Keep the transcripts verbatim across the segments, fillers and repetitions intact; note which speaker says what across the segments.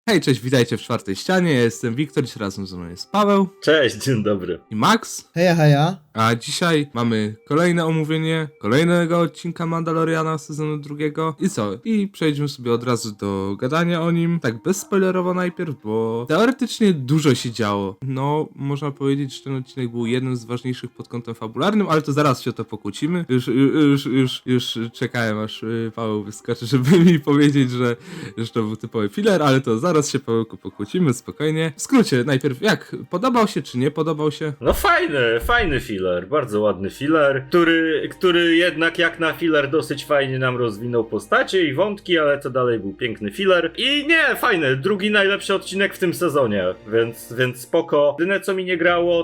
Speaker 1: Hej, cześć, witajcie w czwartej ścianie, ja jestem Wiktor, dziś razem ze mną jest Paweł
Speaker 2: Cześć, dzień dobry.
Speaker 1: i Max,
Speaker 3: Heja, heja.
Speaker 1: a dzisiaj mamy kolejne omówienie kolejnego odcinka Mandaloriana sezonu drugiego i co? I przejdźmy sobie od razu do gadania o nim, tak bezspoilerowo najpierw, bo teoretycznie dużo się działo. No, można powiedzieć, że ten odcinek był jednym z ważniejszych pod kątem fabularnym, ale to zaraz się o to pokłócimy. Już, już, już, już czekałem, aż y, Paweł wyskoczy, żeby mi powiedzieć, że, że to był typowy filler, ale to zaraz się, Pawełku, pokłócimy, spokojnie. W skrócie, najpierw jak? Podobał się czy nie podobał się?
Speaker 2: No fajny, fajny filler, bardzo ładny filler, który, który jednak jak na filler dosyć fajnie nam rozwinął postacie i wątki, ale to dalej był piękny filler. I nie, fajny, drugi najlepszy odcinek w tym sezonie, więc, więc spoko. Jedyne co mi nie grało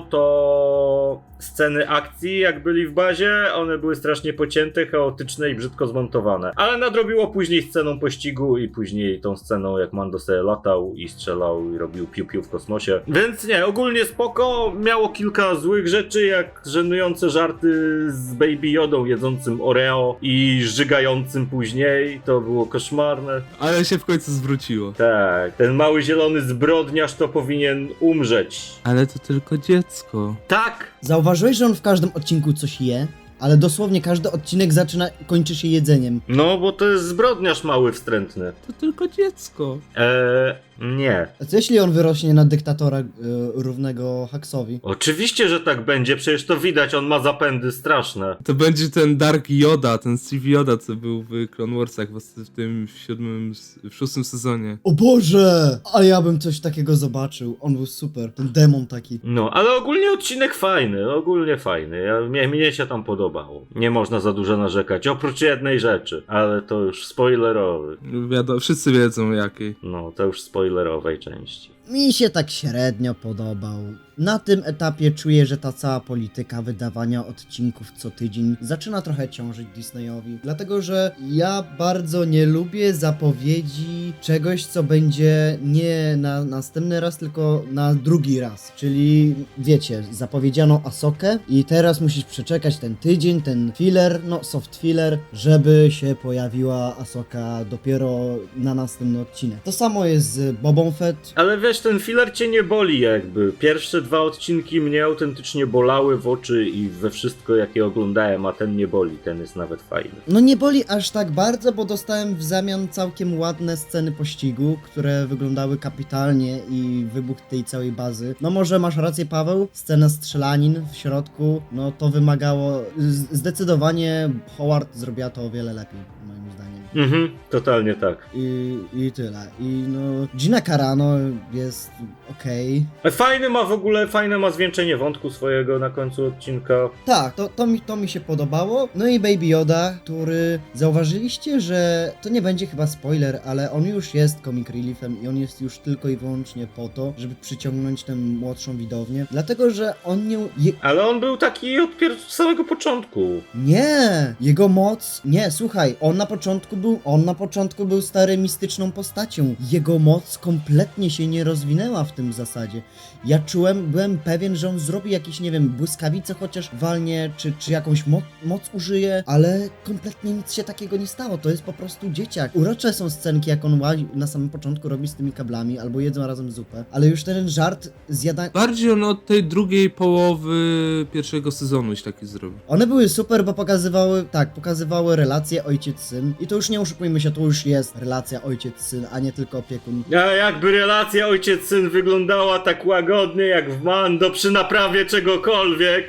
Speaker 2: to sceny akcji, jak byli w bazie, one były strasznie pocięte, chaotyczne i brzydko zmontowane. Ale nadrobiło później sceną pościgu i później tą sceną jak Mando sobie latał i strzelał i robił piu-piu w kosmosie. Więc nie, ogólnie spoko, miało kilka złych rzeczy, jak żenujące żarty z Baby Yodą jedzącym Oreo i żygającym później, to było koszmarne.
Speaker 1: Ale się w końcu zwróciło.
Speaker 2: Tak, ten mały zielony zbrodniarz to powinien umrzeć.
Speaker 1: Ale to tylko dziecko.
Speaker 2: Tak!
Speaker 3: Zauważyłeś, że on w każdym odcinku coś je? Ale dosłownie każdy odcinek zaczyna, kończy się jedzeniem.
Speaker 2: No, bo to jest zbrodniarz mały, wstrętny.
Speaker 1: To tylko dziecko.
Speaker 2: Eee, nie.
Speaker 3: A co jeśli on wyrośnie na dyktatora y, równego Haxowi?
Speaker 2: Oczywiście, że tak będzie, przecież to widać, on ma zapędy straszne.
Speaker 1: To będzie ten Dark Yoda, ten Steve Yoda, co był w Clone Warsach w tym w siódmym, w szóstym sezonie.
Speaker 3: O Boże! A ja bym coś takiego zobaczył. On był super. Ten demon taki.
Speaker 2: No, ale ogólnie odcinek fajny, ogólnie fajny. Ja, mnie, mnie się tam podobało. Nie można za dużo narzekać, oprócz jednej rzeczy, ale to już spoilerowy.
Speaker 1: Wiadomo, wszyscy wiedzą jakiej.
Speaker 2: No, to już spoilerowej części.
Speaker 3: Mi się tak średnio podobał. Na tym etapie czuję, że ta cała polityka wydawania odcinków co tydzień zaczyna trochę ciążyć Disneyowi. Dlatego, że ja bardzo nie lubię zapowiedzi czegoś, co będzie nie na następny raz, tylko na drugi raz. Czyli wiecie, zapowiedziano Asokę i teraz musisz przeczekać ten tydzień, ten filler, no soft filler, żeby się pojawiła Asoka dopiero na następny odcinek. To samo jest z Bobą Fett.
Speaker 2: Ale wiesz, ten filler cię nie boli jakby. Pierwsze dwa odcinki mnie autentycznie bolały w oczy i we wszystko jakie oglądałem, a ten nie boli, ten jest nawet fajny.
Speaker 3: No nie boli aż tak bardzo, bo dostałem w zamian całkiem ładne sceny pościgu, które wyglądały kapitalnie i wybuch tej całej bazy. No może masz rację, Paweł, scena strzelanin w środku, no to wymagało, z- zdecydowanie Howard zrobiła to o wiele lepiej, moim zdaniem.
Speaker 2: Mhm, totalnie tak.
Speaker 3: I, i tyle. I no, Gina Carano jest okej.
Speaker 2: Fajny ma w ogóle, fajne ma zwieńczenie wątku swojego na końcu odcinka.
Speaker 3: Tak, to, to, mi, to mi się podobało. No i Baby Yoda, który zauważyliście, że to nie będzie chyba spoiler, ale on już jest comic reliefem i on jest już tylko i wyłącznie po to, żeby przyciągnąć tę młodszą widownię. Dlatego, że on nie... Je,
Speaker 2: Ale on był taki od pier- samego początku.
Speaker 3: nie! Jego moc... Nie, słuchaj, on na początku był... On na początku był stary mistyczną postacią. Jego moc kompletnie się nie rozwinęła w tym zasadzie. Ja czułem, byłem pewien, że on zrobi jakieś, nie wiem, błyskawice chociaż walnie, czy, czy jakąś mo moc użyje, ale kompletnie nic się takiego nie stało. To jest po prostu dzieciak. Urocze są scenki, jak on łazi, na samym początku robi z tymi kablami, albo jedzą razem zupę, ale już ten żart zjada...
Speaker 1: Bardziej on od tej drugiej połowy pierwszego sezonu już taki zrobił.
Speaker 3: One były super, bo pokazywały, tak, pokazywały relacje ojciec-syn i to już nie oszukujmy się, to już jest relacja ojciec-syn, a nie tylko opiekun.
Speaker 2: A jakby relacja ojciec-syn wyglądała tak łagodnie jak w Mando przy naprawie czegokolwiek.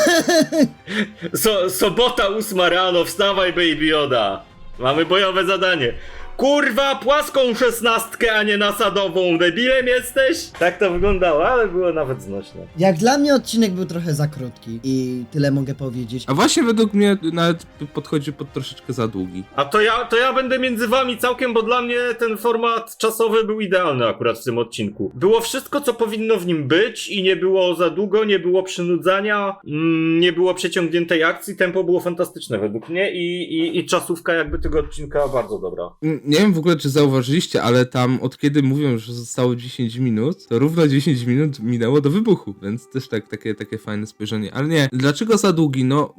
Speaker 2: So, sobota ósma rano, wstawaj Baby Yoda. Mamy bojowe zadanie. Kurwa, płaską szesnastkę, a nie nasadową. Debilem jesteś? Tak to wyglądało, ale było nawet znośne.
Speaker 3: Jak dla mnie odcinek był trochę za krótki i tyle mogę powiedzieć.
Speaker 1: A właśnie według mnie nawet podchodzi pod troszeczkę za długi.
Speaker 2: A to ja, to ja będę między wami całkiem, bo dla mnie ten format czasowy był idealny akurat w tym odcinku. Było wszystko, co powinno w nim być i nie było za długo, nie było przynudzania, mm, nie było przeciągniętej akcji, tempo było fantastyczne według mnie i, i, i czasówka jakby tego odcinka bardzo dobra.
Speaker 1: Nie wiem w ogóle, czy zauważyliście, ale tam od kiedy mówią, że zostało dziesięć minut, to równo dziesięć minut minęło do wybuchu, więc też tak, takie, takie fajne spojrzenie. Ale nie, dlaczego za długi? No, bo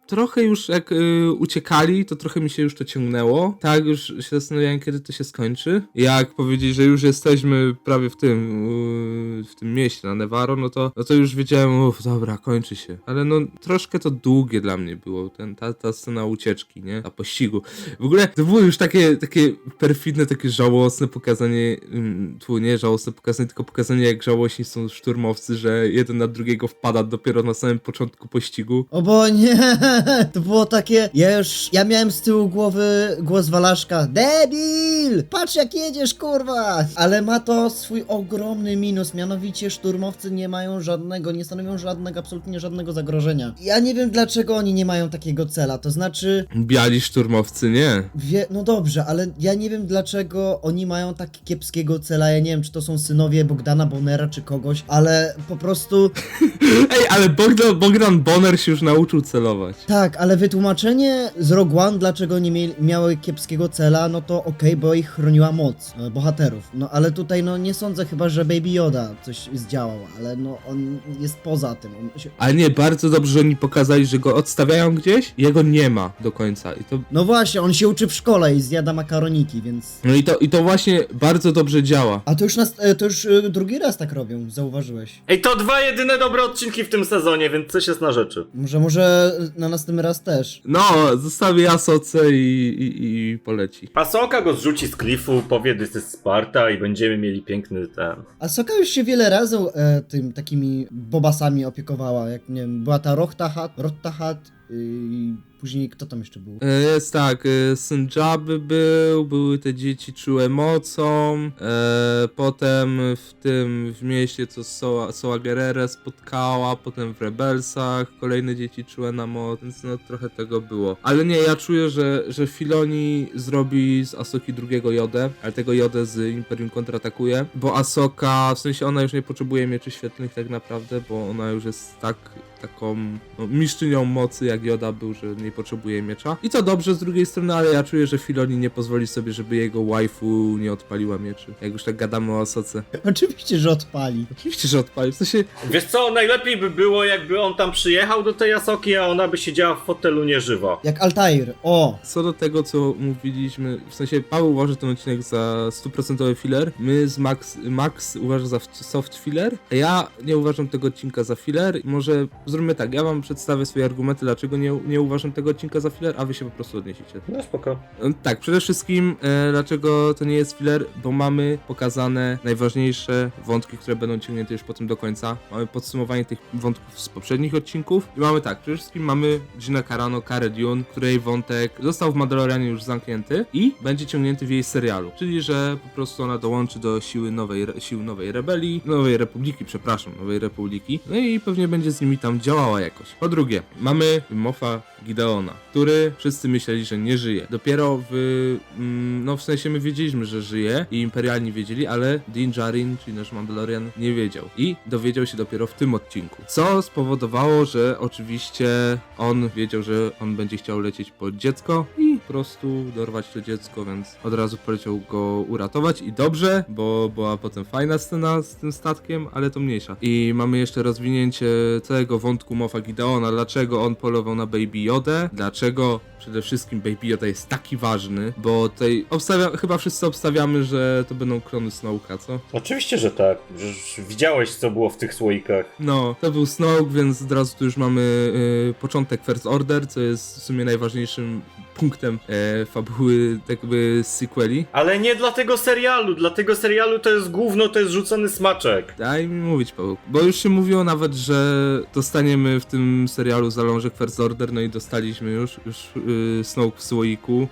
Speaker 1: trochę już jak y, uciekali, to trochę mi się już to ciągnęło. Tak, już się zastanawiałem, kiedy to się skończy. Jak powiedzieć, że już jesteśmy prawie w tym, y, w tym mieście na Nevarro, no to, no to już wiedziałem, uff, dobra, kończy się. Ale no troszkę to długie dla mnie było, ten, ta, ta scena ucieczki, nie? Ta pościgu. W ogóle to było już takie, takie perfidne, takie żałosne pokazanie, ym, tu nie żałosne pokazanie, tylko pokazanie, jak żałośni są szturmowcy, że jeden na drugiego wpada dopiero na samym początku pościgu.
Speaker 3: O bo nie, to było takie, ja już, ja miałem z tyłu głowy głos Walaszka, debil, patrz jak jedziesz kurwa, ale ma to swój ogromny minus, mianowicie szturmowcy nie mają żadnego, nie stanowią żadnego, absolutnie żadnego zagrożenia. Ja nie wiem dlaczego oni nie mają takiego cela, to znaczy,
Speaker 1: Biali szturmowcy, nie.
Speaker 3: wie, no dobrze, ale ja nie wiem dlaczego oni mają tak kiepskiego cela, ja nie wiem czy to są synowie Bogdana Bonera czy kogoś, ale po prostu...
Speaker 1: Ej, ale Bogdan, Bogdan Bonner się już nauczył celować.
Speaker 3: Tak, ale wytłumaczenie z Rogue One, dlaczego nie mieli, miały kiepskiego cela, no to okej, bo ich chroniła moc e, bohaterów. No ale tutaj no nie sądzę chyba, że Baby Yoda coś zdziałał, ale no on jest poza tym. On się...
Speaker 1: Ale nie, bardzo dobrze, że oni pokazali, że go odstawiają gdzieś i jego nie ma do końca. I to,
Speaker 3: No właśnie, on się uczy w szkole i zjada makaroniki, więc...
Speaker 1: no i to, i to właśnie bardzo dobrze działa.
Speaker 3: A to już, nas, e, to już e, drugi raz tak robią, zauważyłeś.
Speaker 2: Ej, to dwa jedyne dobre odcinki w tym sezonie, więc coś jest na rzeczy.
Speaker 3: Może, może na następny raz też.
Speaker 1: No, zostawię Asoce i, i, i poleci.
Speaker 2: Asoka go zrzuci z klifu, powie, this is Sparta i będziemy mieli piękny ten...
Speaker 3: A Soka już się wiele razy e, tym takimi bobasami opiekowała, jak nie wiem, była ta Rohtahat, Rohtahat i później kto tam jeszcze był?
Speaker 1: E, Jest tak, e, syn Jabby był, były te dzieci czułe mocą, e, potem w tym, w mieście co Soa, Soa Gerrera spotkała, potem w Rebelsach kolejne dzieci czułe na moc, więc no trochę tego było. Ale nie, ja czuję, że, że Filoni zrobi z Asoki drugiego Jodę, ale tego Jodę z Imperium kontratakuje, bo Asoka, w sensie ona już nie potrzebuje mieczy świetlnych tak naprawdę, bo ona już jest tak taką no, mistrzynią mocy jak Joda był, że nie potrzebuje miecza. I to dobrze z drugiej strony, ale ja czuję, że Filoni nie pozwoli sobie, żeby jego waifu nie odpaliła mieczy. Jak już tak gadamy o Asoce.
Speaker 3: Oczywiście, że odpali.
Speaker 1: Oczywiście, że odpali. W sensie,
Speaker 2: Wiesz co, najlepiej by było, jakby on tam przyjechał do tej Asoki, a ona by siedziała w fotelu nieżywa.
Speaker 3: Jak Altair, o!
Speaker 1: co do tego, co mówiliśmy, w sensie Paweł uważa ten odcinek za stuprocentowy filler, my z Max, Max uważa za soft filler, a ja nie uważam tego odcinka za filler. Może zróbmy tak, ja wam przedstawię swoje argumenty, dlaczego nie, nie uważam tego odcinka za filler, a wy się po prostu odniesiecie.
Speaker 2: No spoko.
Speaker 1: Tak, przede wszystkim e, dlaczego to nie jest filler, bo mamy pokazane najważniejsze wątki, które będą ciągnięte już potem do końca. Mamy podsumowanie tych wątków z poprzednich odcinków i mamy tak, przede wszystkim mamy Gina Carano, Cara Dune, której wątek został w Mandalorianie już zamknięty i będzie ciągnięty w jej serialu, czyli że po prostu ona dołączy do siły nowej, sił nowej rebelii, nowej republiki, przepraszam, nowej republiki, no i pewnie będzie z nimi tam działała jakoś. Po drugie, mamy Moffa Gideona, który wszyscy myśleli, że nie żyje. Dopiero w, mm, no w sensie my wiedzieliśmy, że żyje i imperialni wiedzieli, ale Din Djarin, czyli nasz Mandalorian, nie wiedział. I dowiedział się dopiero w tym odcinku. Co spowodowało, że oczywiście on wiedział, że on będzie chciał lecieć po dziecko i po prostu dorwać to dziecko, więc od razu poleciał go uratować i dobrze, bo była potem fajna scena z tym statkiem, ale to mniejsza. I mamy jeszcze rozwinięcie całego wątku Moffa Gideona, dlaczego on polował na Baby Yodę, dlaczego przede wszystkim Baby Yoda jest taki ważny, bo tutaj obstawia, chyba wszyscy obstawiamy, że to będą klony Snoke'a, co?
Speaker 2: Oczywiście, że tak. Już widziałeś, co było w tych słoikach.
Speaker 1: No, to był Snoke, więc od razu tu już mamy y, początek First Order, co jest w sumie najważniejszym punktem e, fabuły, tak jakby sequeli.
Speaker 2: Ale nie dla tego serialu. Dla tego serialu to jest gówno, to jest rzucony smaczek.
Speaker 1: Daj mi mówić, Paweł. Bo już się mówiło nawet, że dostaniemy w tym serialu zalążek First Order, no i dostaliśmy już, już yy, Snoke w słoiku.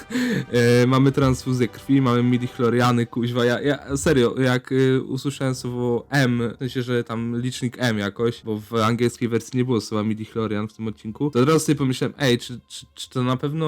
Speaker 1: e, mamy transfuzję krwi, mamy midichloriany, kuźwa. Ja, ja serio, jak y, usłyszałem słowo M, w sensie, że tam licznik M jakoś, bo w angielskiej wersji nie było słowa midichlorian w tym odcinku, to od razu sobie pomyślałem, ej, czy, czy, czy to na pewno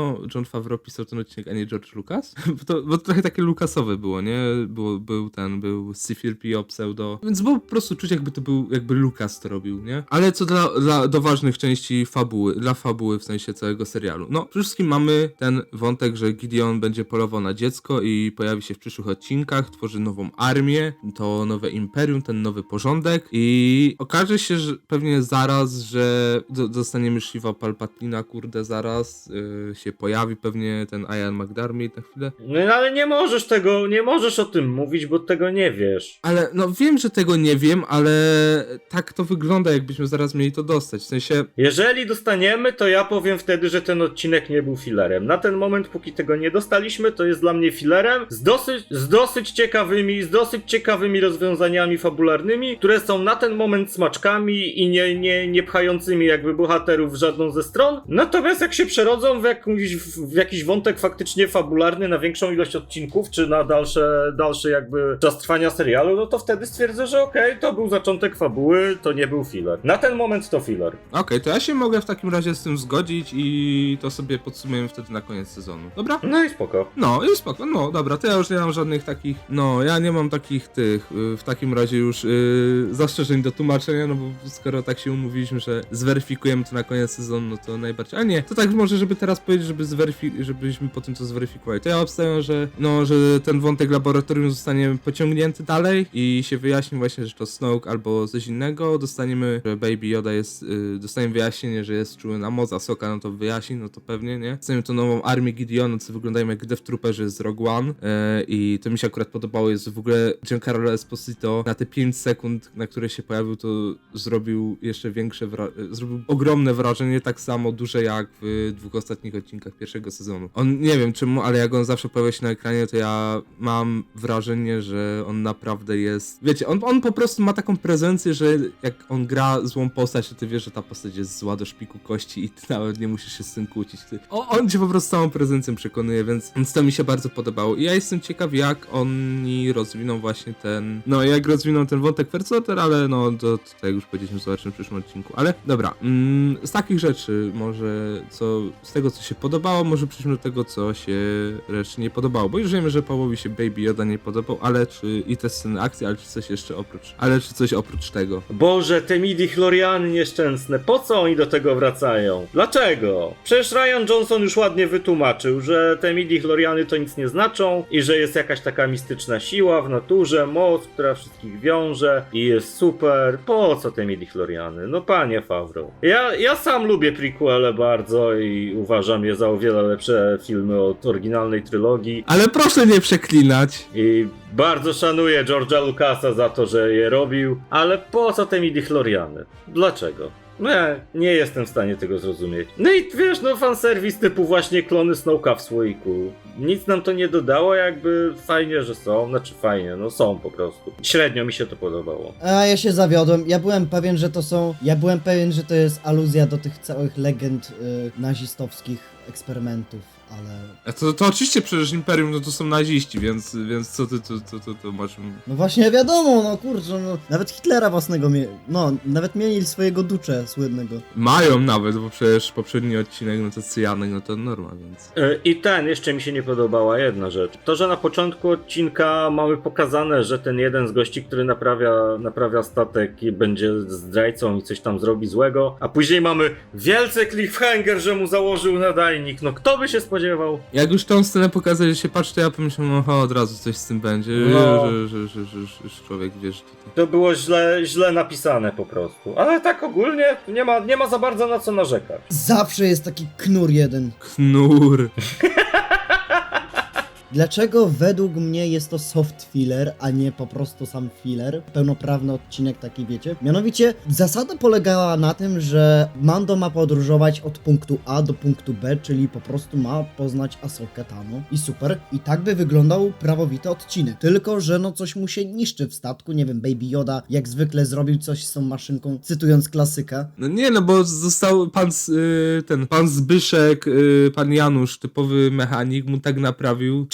Speaker 1: pewno Jon Favreau pisał ten odcinek, a nie George Lucas? Bo to, bo to trochę takie Lucasowe było, nie? Było, był ten, był C cztery P O pseudo, więc było po prostu czuć, jakby to był, jakby Lucas to robił, nie? Ale co dla, dla do ważnych części fabuły, dla fabuły w sensie całego serialu. No, przede wszystkim mamy ten wątek, że Gideon będzie polował na dziecko i pojawi się w przyszłych odcinkach, tworzy nową armię, to nowe imperium, ten nowy porządek i okaże się, że pewnie zaraz, że do, dostaniemy Shiva Palpatina, kurde, zaraz yy, się pojawi pewnie ten Ian McDermott na chwilę.
Speaker 2: No ale nie możesz tego, nie możesz o tym mówić, bo tego nie wiesz.
Speaker 1: Ale no wiem, że tego nie wiem, ale tak to wygląda, jakbyśmy zaraz mieli to dostać, w sensie...
Speaker 2: Jeżeli dostaniemy, to ja powiem wtedy, że ten odcinek nie był filerem. Na ten moment, póki tego nie dostaliśmy, to jest dla mnie filerem z dosyć, z dosyć ciekawymi, z dosyć ciekawymi rozwiązaniami fabularnymi, które są na ten moment smaczkami i nie, nie, nie pchającymi jakby bohaterów w żadną ze stron. Natomiast jak się przerodzą w, jakąś, w jakiś wątek faktycznie fabularny na większą ilość odcinków, czy na dalsze, dalsze jakby czas trwania serialu, no to wtedy stwierdzę, że okej, okay, to był zaczątek fabuły, to nie był filler. Na ten moment to filler.
Speaker 1: Okej, okay, to ja się mogę w takim razie z tym zgodzić i to sobie podsumujemy wtedy na koniec sezonu. Dobra?
Speaker 2: No i spoko.
Speaker 1: No i spoko, no dobra, to ja już nie mam żadnych takich, no ja nie mam takich tych, yy, w takim razie już yy, zastrzeżeń do tłumaczenia, no bo skoro tak się umówiliśmy, że zweryfikujemy to na koniec sezonu, no to najbardziej, ale nie, to tak może, żeby teraz powiedzieć, żeby zweryfi- żebyśmy po tym co zweryfikowali, to ja obstawiam, że no, że ten wątek laboratorium zostanie pociągnięty dalej i się wyjaśni właśnie, że to Snoke albo coś innego, dostaniemy, że Baby Yoda jest, yy, dostaniemy wyjaśnienie, że jest czuły na moc, Ahsoka no to wyjaśni, no to pewnie, nie? Dostaniemy tą nową armię Gideona, co wyglądają jak Death Trooperzy z Rogue One yy, i to mi się akurat podobało, jest w ogóle Giancarlo Esposito na te pięć sekund, na które się pojawił, to zrobił jeszcze większe, wra- zrobił ogromne wrażenie, tak samo duże jak w dwóch ostatnich odcinkach pierwszego sezonu. On, nie wiem czemu, ale jak on zawsze pojawia się na ekranie, to ja mam wrażenie, że on naprawdę jest, wiecie, on, on po prostu ma taką prezencję, że jak on gra złą postać, to ty wiesz, że ta postać jest zła do szpiku kości i ty nawet nie musisz się z tym kłócić. Ty, o, on cię po prostu całą prezencją przekonuje, więc, więc to mi się bardzo podobało. I ja jestem ciekaw, jak oni rozwiną właśnie ten, no jak rozwiną ten wątek First Order, ale no to, to tak jak już powiedzieliśmy, zobaczymy w przyszłym odcinku. Ale dobra, mm, z takich rzeczy może, co, z tego co się podobało, może przejdźmy do tego, co się reszcie nie podobało, bo już wiemy, że Pawłowi się Baby Yoda nie podobał, ale czy, i te sceny akcji, ale czy coś jeszcze oprócz, ale czy coś oprócz tego.
Speaker 2: Boże, te midi-chloriany nieszczęsne, po co oni do tego wracają? Dlaczego? Przecież Ryan Johnson już ładnie wytłumaczył, że te midi-chloriany to nic nie znaczą i że jest jakaś taka mistyczna siła w naturze, moc, która wszystkich wiąże i jest super. Po co te midi-chloriany? No panie Favreau. Ja, ja sam lubię prequele bardzo i uważam je za o wiele lepsze filmy od oryginalnej trylogii.
Speaker 1: Ale proszę nie przeklinać.
Speaker 2: I bardzo szanuję George'a Lucasa za to, że je robił, ale po co te midi-chloriany? Dlaczego? No ja nie jestem w stanie tego zrozumieć. No i wiesz, no fanserwis typu właśnie klony Snoke'a w słoiku. Nic nam to nie dodało, jakby fajnie, że są, znaczy fajnie, no są po prostu. Średnio mi się to podobało.
Speaker 3: A ja się zawiodłem. Ja byłem pewien, że to są. Ja byłem pewien, że to jest aluzja do tych całych legend y, nazistowskich eksperymentów, ale.
Speaker 1: A to, to oczywiście przecież Imperium no to są naziści, więc, więc co ty to, to, to, to masz...
Speaker 3: No właśnie wiadomo, no kurczę, no. Nawet Hitlera własnego mie... No, nawet mieli swojego ducze słynnego.
Speaker 1: Mają nawet, bo przecież poprzedni odcinek, no to Cyjanek, no to norma, więc...
Speaker 2: Yy, I ten, jeszcze mi się nie podobała jedna rzecz. To, że na początku odcinka mamy pokazane, że ten jeden z gości, który naprawia, naprawia statek i będzie zdrajcą i coś tam zrobi złego, a później mamy wielce cliffhanger, że mu założył nadajnik. No kto by się spodziewał?
Speaker 1: Jak już tą scenę pokazać, że się patrzy, to ja pomyślałem, oho, od razu coś z tym będzie,
Speaker 2: No.
Speaker 1: że, że, że, że, że, że człowiek wie, że tutaj...
Speaker 2: To było źle, źle napisane po prostu. Ale tak ogólnie nie ma, nie ma za bardzo na co narzekać.
Speaker 3: Zawsze jest taki knur jeden.
Speaker 1: Knur.
Speaker 3: Dlaczego według mnie jest to soft filler, a nie po prostu sam filler? Pełnoprawny odcinek taki, wiecie? Mianowicie zasada polegała na tym, że Mando ma podróżować od punktu A do punktu B, czyli po prostu ma poznać Ahsokę Tano i super. I tak by wyglądał prawowity odcinek. Tylko, że no coś mu się niszczy w statku, nie wiem, Baby Yoda jak zwykle zrobił coś z tą maszynką, cytując klasyka.
Speaker 1: No nie, no bo został pan, z- y, ten, pan Zbyszek, y, pan Janusz, typowy mechanik, mu tak naprawił.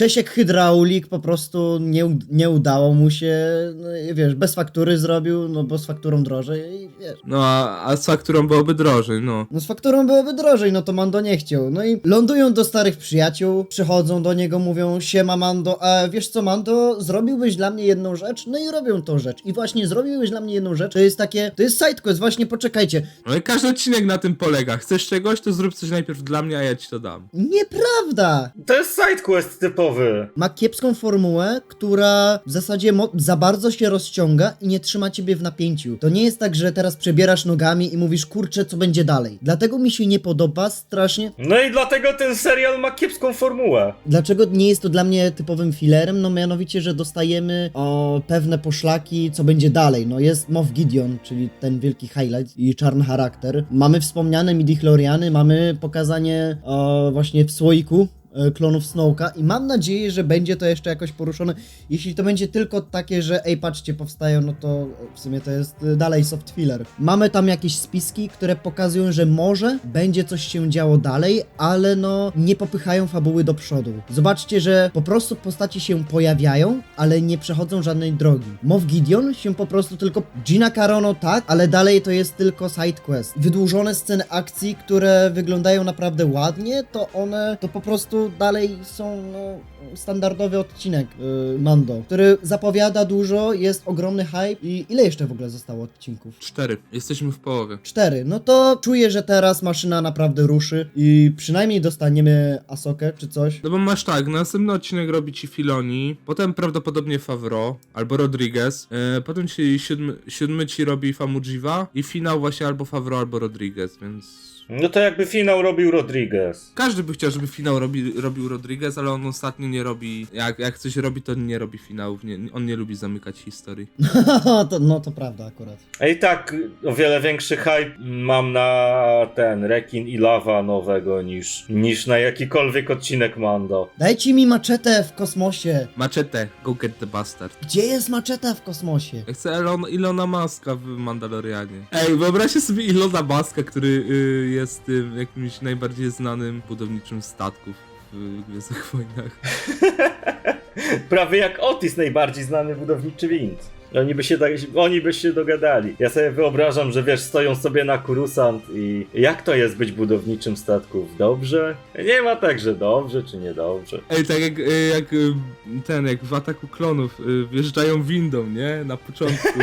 Speaker 3: Czesiek Hydraulik po prostu nie, u- nie udało mu się, no i wiesz, bez faktury zrobił, no bo z fakturą drożej i wiesz.
Speaker 1: No a, a z fakturą byłoby drożej, no.
Speaker 3: No z fakturą byłoby drożej, no to Mando nie chciał. No i lądują do starych przyjaciół, przychodzą do niego, mówią: siema Mando, a wiesz co Mando, zrobiłbyś dla mnie jedną rzecz? No i robią tą rzecz. I właśnie zrobiłbyś dla mnie jedną rzecz, to jest takie, to jest sidequest, właśnie poczekajcie.
Speaker 1: No i każdy odcinek na tym polega. Chcesz czegoś, to zrób coś najpierw dla mnie, a ja ci to dam.
Speaker 3: Nieprawda!
Speaker 2: To jest sidequest typowy.
Speaker 3: Ma kiepską formułę, która w zasadzie mo- za bardzo się rozciąga i nie trzyma ciebie w napięciu. To nie jest tak, że teraz przebierasz nogami i mówisz: kurczę, co będzie dalej. Dlatego mi się nie podoba strasznie.
Speaker 2: No i dlatego ten serial ma kiepską formułę.
Speaker 3: Dlaczego nie jest to dla mnie typowym fillerem? No mianowicie, że dostajemy o, pewne poszlaki, co będzie dalej. No jest Moff Gideon, czyli ten wielki highlight i czarny charakter. Mamy wspomniane midichloriany, mamy pokazanie o, właśnie w słoiku e, klonów Snowka i mam nadzieję, że będzie to jeszcze jakoś poruszone. Jeśli to będzie tylko takie, że ej, patrzcie, powstają, no to w sumie to jest y, dalej soft filler. Mamy tam jakieś spiski, które pokazują, że może będzie coś się działo dalej, ale no nie popychają fabuły do przodu. Zobaczcie, że po prostu postaci się pojawiają, ale nie przechodzą żadnej drogi. Moff Gideon się po prostu tylko... Gina Carano tak, ale dalej to jest tylko side quest. Wydłużone sceny akcji, które wyglądają naprawdę ładnie, to one to po prostu dalej są no, standardowy odcinek yy, Mando, który zapowiada dużo, jest ogromny hype i ile jeszcze w ogóle zostało odcinków?
Speaker 1: Cztery. Jesteśmy w połowie.
Speaker 3: Cztery. No to czuję, że teraz maszyna naprawdę ruszy i przynajmniej dostaniemy Asokę czy coś.
Speaker 1: No bo masz tak, następny odcinek robi ci Filoni, potem prawdopodobnie Favreau albo Rodriguez, e, potem ci siódmy, siódmy ci robi Famujiwa i finał właśnie albo Favreau albo Rodriguez, więc...
Speaker 2: No to jakby finał robił Rodriguez.
Speaker 1: Każdy by chciał, żeby finał robi, robił Rodriguez, ale on ostatnio nie robi, jak, jak coś robi, to nie robi finałów, nie, on nie lubi zamykać historii.
Speaker 3: to, no to prawda akurat.
Speaker 2: A i tak o wiele większy hype mam na ten Rekin i Lava nowego niż, niż na jakikolwiek odcinek Mando.
Speaker 3: Dajcie mi maczetę w kosmosie.
Speaker 1: Machete, go get the bastard.
Speaker 3: Gdzie jest maczeta w kosmosie?
Speaker 1: Ja chcę Elon, Ilona Maska w Mandalorianie. Ej, wyobraźcie sobie Ilona Maska, który y, jest tym jakimś najbardziej znanym budowniczym statków w Gwiezdnych Wojnach.
Speaker 2: Prawie jak Otis, najbardziej znany budowniczy wind. Oni by, się, oni by się dogadali. Ja sobie wyobrażam, że wiesz, stoją sobie na Kurusant i jak to jest być budowniczym statków? Dobrze? Nie ma tak, że dobrze czy niedobrze.
Speaker 1: Ej, tak jak, y, jak y, ten, jak w Ataku Klonów y, wjeżdżają windą, nie? Na początku.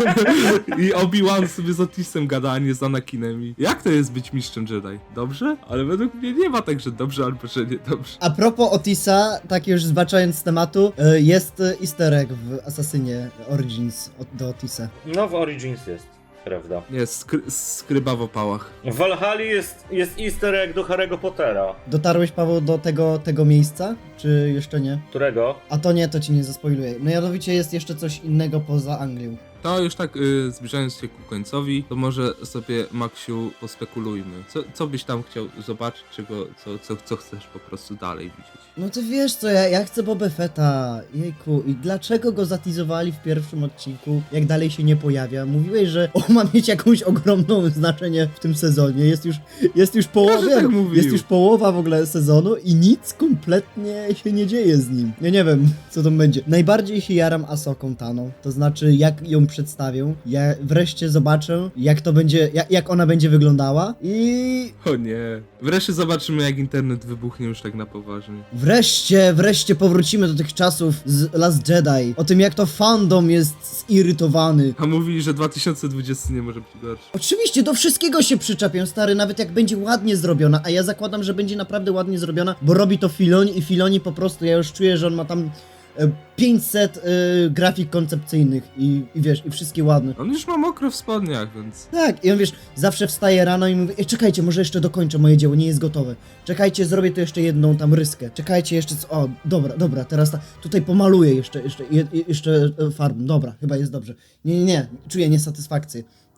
Speaker 1: I Obi-Wan sobie z Otisem gada, a nie z Anakinem. I jak to jest być mistrzem Jedi? Dobrze? Ale według mnie nie ma tak, że dobrze albo że nie dobrze.
Speaker 3: A propos Otisa, tak już zbaczając z tematu, y, jest y, easter egg w Assassinie Origins od, do Otisa.
Speaker 2: No w Origins jest, prawda.
Speaker 1: Nie, skry skryba w opałach.
Speaker 2: W Valhalla jest, jest easter egg do Harry'ego Pottera.
Speaker 3: Dotarłeś, Paweł, do tego, tego miejsca, czy jeszcze nie?
Speaker 2: Którego?
Speaker 3: A to nie, to ci nie zaspoiluję. Mianowicie jest jeszcze coś innego poza Anglią.
Speaker 1: To już tak y, zbliżając się ku końcowi, to może sobie, Maksiu, pospekulujmy. Co, co byś tam chciał zobaczyć, czego, co, co, co chcesz po prostu dalej widzieć?
Speaker 3: No ty wiesz co, ja, ja chcę Boba Fetta, jejku, i dlaczego go zatizowali w pierwszym odcinku, jak dalej się nie pojawia? Mówiłeś, że on ma mieć jakąś ogromną znaczenie w tym sezonie, jest już, jest już połowa,
Speaker 1: Każdy tak mówił.
Speaker 3: jest już połowa w ogóle sezonu i nic kompletnie się nie dzieje z nim. Ja nie wiem, co to będzie. Najbardziej się jaram Asoką Tano, to znaczy jak ją przedstawią, ja wreszcie zobaczę, jak to będzie, jak, jak ona będzie wyglądała i
Speaker 1: O nie. Wreszcie zobaczymy, jak internet wybuchnie już tak na poważnie.
Speaker 3: wreszcie, wreszcie powrócimy do tych czasów z Last Jedi. O tym, jak to fandom jest zirytowany.
Speaker 1: A mówili, że dwa tysiące dwudziesty nie może być gorszy.
Speaker 3: Oczywiście do wszystkiego się przyczepią, stary, nawet jak będzie ładnie zrobiona, a ja zakładam, że będzie naprawdę ładnie zrobiona, bo robi to Filoni i Filoni po prostu, ja już czuję, że on ma tam e, pięćset e, grafik koncepcyjnych i, i wiesz, i wszystkie ładne.
Speaker 1: On już ma mokro w spodniach, więc...
Speaker 3: Tak, i on wiesz, zawsze wstaje rano i mówi: Ej, czekajcie, może jeszcze dokończę moje dzieło, nie jest gotowe. Czekajcie, zrobię tu jeszcze jedną tam ryskę. Czekajcie jeszcze, co... o, dobra, dobra, teraz ta... tutaj pomaluję jeszcze, jeszcze, je, jeszcze e, farbą, dobra, chyba jest dobrze. Nie, nie, nie, czuję niesatysfakcję.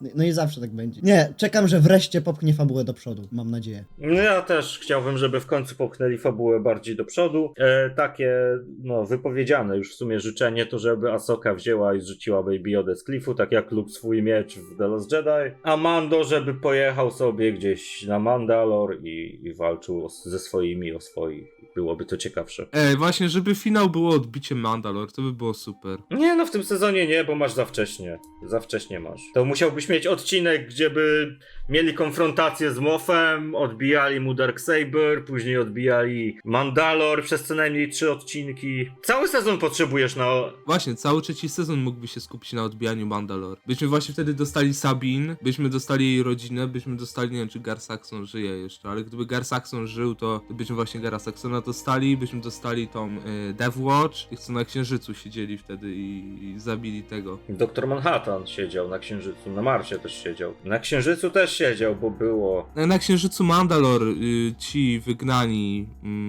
Speaker 3: No i zawsze tak będzie. Nie, czekam, że wreszcie popchnie fabułę do przodu, mam nadzieję.
Speaker 2: No ja też chciałbym, żeby w końcu popchnęli fabułę bardziej do przodu. E, takie, no, wypowiedziane już w sumie życzenie to, żeby Ahsoka wzięła i zrzuciła Baby Yoda z klifu, tak jak Luke swój miecz w The Last Jedi. A Mando, żeby pojechał sobie gdzieś na Mandalor i, i walczył o, ze swoimi o swoich. Byłoby to ciekawsze.
Speaker 1: Ej, właśnie, żeby finał było odbicie Mandalor, to by było super.
Speaker 2: Nie, no w tym sezonie nie, bo masz za wcześnie. Za wcześnie masz. To musiałbyś mieć odcinek, gdzie by mieli konfrontację z Moffem, odbijali mu Darksaber, później odbijali Mandalor przez co najmniej trzy odcinki. Cały sezon potrzebujesz na...
Speaker 1: Właśnie, cały trzeci sezon mógłby się skupić na odbijaniu Mandalor. Byśmy właśnie wtedy dostali Sabine, byśmy dostali jej rodzinę, byśmy dostali, nie wiem czy Gar Saxon żyje jeszcze, ale gdyby Gar Saxon żył, to, to byśmy właśnie Gara Saxona dostali, byśmy dostali tą y, Death Watch, tych co na Księżycu siedzieli wtedy i, i zabili tego.
Speaker 2: doktor Manhattan siedział na Księżycu, na Marsie też siedział. Na Księżycu też siedział, bo było...
Speaker 1: Na, na Księżycu Mandalor y, ci wygnani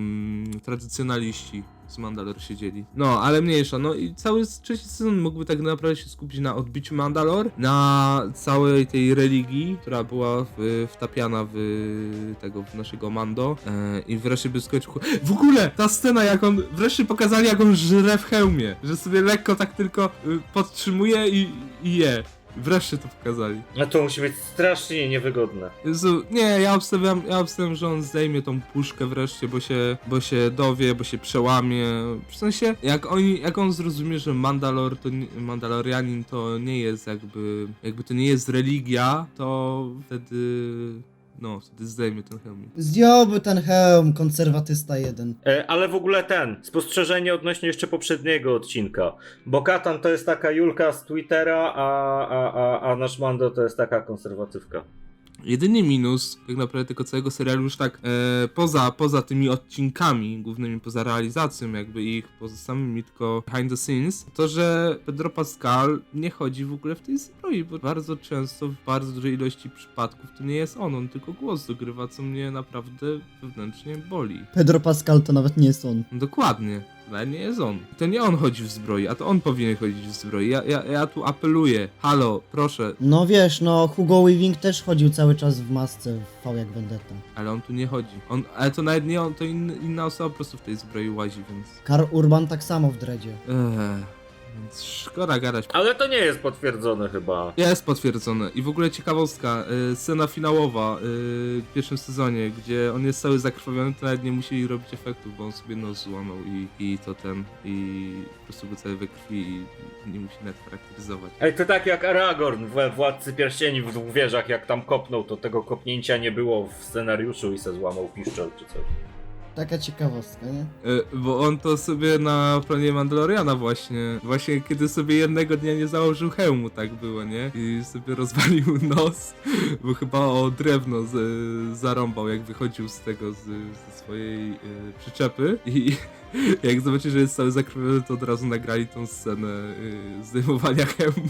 Speaker 1: y, tradycjonaliści z Mandalor siedzieli. No, ale mniejsza, no i cały trzeci sezon mógłby tak naprawdę się skupić na odbiciu Mandalor, na całej tej religii, która była w, wtapiana w tego, w naszego Mando e, i wreszcie by skończył... W ogóle ta scena, jak on, wreszcie pokazali jak on żre w hełmie, że sobie lekko tak tylko y, podtrzymuje i, i je. Wreszcie to pokazali.
Speaker 2: No to musi być strasznie niewygodne.
Speaker 1: Jezu, nie, ja obstawiam, ja obstawiam, że on zdejmie tą puszkę wreszcie, bo się, bo się dowie, bo się przełamie. W sensie, jak, oni, jak on zrozumie, że Mandalor to nie, Mandalorianin to nie jest jakby, jakby to nie jest religia, to wtedy, no, wtedy zdejmie ten hełm.
Speaker 3: Zdjąłby ten hełm, konserwatysta jeden.
Speaker 2: E, ale w ogóle ten, spostrzeżenie odnośnie jeszcze poprzedniego odcinka. Bo Katan to jest taka Julka z Twittera, a, a, a, a nasz Mando to jest taka konserwatywka.
Speaker 1: Jedyny minus tak naprawdę tego całego serialu już tak e, poza, poza tymi odcinkami głównymi, poza realizacją jakby ich, poza samymi tylko behind the scenes, to że Pedro Pascal nie chodzi w ogóle w tej zbroi, bo bardzo często w bardzo dużej ilości przypadków to nie jest on, on tylko głos dogrywa, co mnie naprawdę wewnętrznie boli.
Speaker 3: Pedro Pascal to nawet nie jest on.
Speaker 1: Dokładnie. Ale nie jest on. To nie on chodzi w zbroi, a to on powinien chodzić w zbroi. Ja, ja, ja tu apeluję. Halo, proszę.
Speaker 3: No wiesz, no Hugo Weaving też chodził cały czas w masce w V jak Vendetta.
Speaker 1: Ale on tu nie chodzi. On, ale to nawet nie on, to in, inna osoba po prostu w tej zbroi łazi, więc...
Speaker 3: Karl Urban tak samo w dredzie.
Speaker 1: Ech, więc szkoda gadać.
Speaker 2: Ale to nie jest potwierdzone chyba.
Speaker 1: Jest potwierdzone. I w ogóle ciekawostka, y, scena finałowa y, w pierwszym sezonie, gdzie on jest cały zakrwawiony, to nawet nie musieli robić efektów, bo on sobie nos złamał i, i to ten, i po prostu go cały we krwi i nie musi nawet charakteryzować.
Speaker 2: Ej, to tak jak Aragorn w Władcy Pierścieni w dwóch wieżach, jak tam kopnął, to tego kopnięcia nie było w scenariuszu i se złamał piszczel czy coś.
Speaker 3: Taka ciekawostka, nie?
Speaker 1: Y, bo on to sobie na planie Mandaloriana właśnie, właśnie kiedy sobie jednego dnia nie założył hełmu, tak było, nie? I sobie rozwalił nos, bo chyba o drewno z, zarąbał, jak wychodził z tego, z, ze swojej y, przyczepy i jak zobaczyli, że jest cały zakrwawiony, to od razu nagrali tą scenę y, zdejmowania hełmu.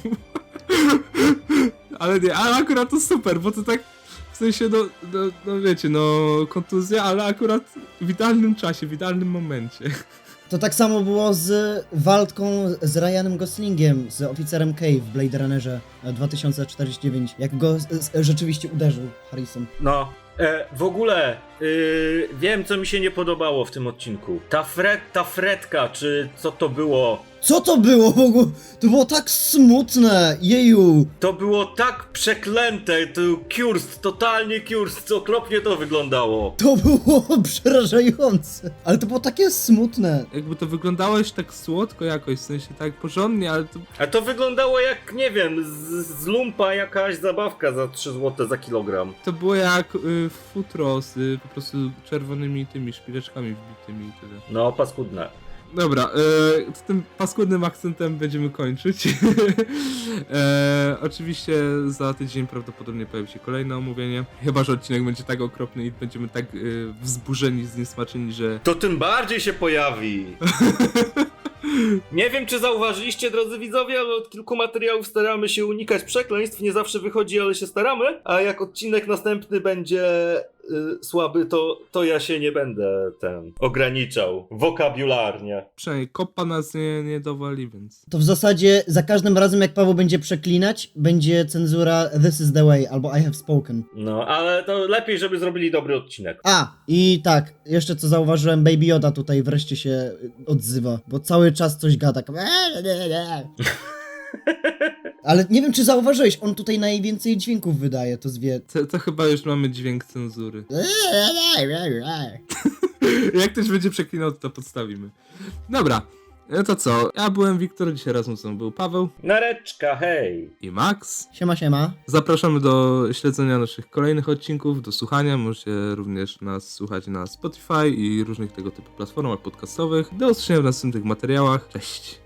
Speaker 1: Ale nie, ale akurat to super, bo to tak w sensie, no, no, no wiecie, no kontuzja, ale akurat w idealnym czasie, w idealnym momencie.
Speaker 3: To tak samo było z walką z Ryanem Goslingiem, z oficerem K w Blade Runnerze dwa tysiące czterdzieści dziewięć, jak go z, z, rzeczywiście uderzył Harrison.
Speaker 2: No, e, w ogóle yy, wiem co mi się nie podobało w tym odcinku. Ta fret, ta fretka, czy co to było?
Speaker 3: Co to było w ogóle? To było tak smutne, jeju!
Speaker 2: To było tak przeklęte, to Kurst, totalnie Kurst, co okropnie to wyglądało.
Speaker 3: To było przerażające, ale to było takie smutne.
Speaker 1: Jakby to wyglądało już tak słodko jakoś, w sensie tak porządnie, ale to...
Speaker 2: A to wyglądało jak, nie wiem, z, z lumpa jakaś zabawka za trzy złote za kilogram.
Speaker 1: To było jak y, futro z y, po prostu czerwonymi tymi szpileczkami wbitymi i tyle.
Speaker 2: No, paskudne.
Speaker 1: Dobra, e, z tym paskudnym akcentem będziemy kończyć. e, oczywiście za tydzień prawdopodobnie pojawi się kolejne omówienie. Chyba że odcinek będzie tak okropny i będziemy tak e, wzburzeni, zniesmaczeni, że...
Speaker 2: To tym bardziej się pojawi. Nie wiem, czy zauważyliście, drodzy widzowie, ale od kilku materiałów staramy się unikać przekleństw. Nie zawsze wychodzi, ale się staramy. A jak odcinek następny będzie y, słaby, to, to ja się nie będę ten ograniczał wokabularnie.
Speaker 1: Przynajmniej kopa nas nie, nie dowali, więc...
Speaker 3: To w zasadzie za każdym razem jak Paweł będzie przeklinać, będzie cenzura this is the way albo I have spoken.
Speaker 2: No, ale to lepiej, żeby zrobili dobry odcinek.
Speaker 3: A, i tak, jeszcze co zauważyłem, Baby Yoda tutaj wreszcie się y, odzywa, bo cały czas coś gada. tak- Ale nie wiem, czy zauważyłeś, on tutaj najwięcej dźwięków wydaje, to zwie.
Speaker 1: To, to chyba już mamy dźwięk cenzury. Jak ktoś będzie przeklinał, to, to podstawimy. Dobra, no to co? Ja byłem Wiktor, dzisiaj razem ze mną był Paweł
Speaker 2: Nareczka, hej!
Speaker 1: i Max.
Speaker 3: Siema, siema.
Speaker 1: Zapraszamy do śledzenia naszych kolejnych odcinków, do słuchania. Możecie również nas słuchać na Spotify i różnych tego typu platformach podcastowych. Do usłyszenia w następnych materiałach. Cześć!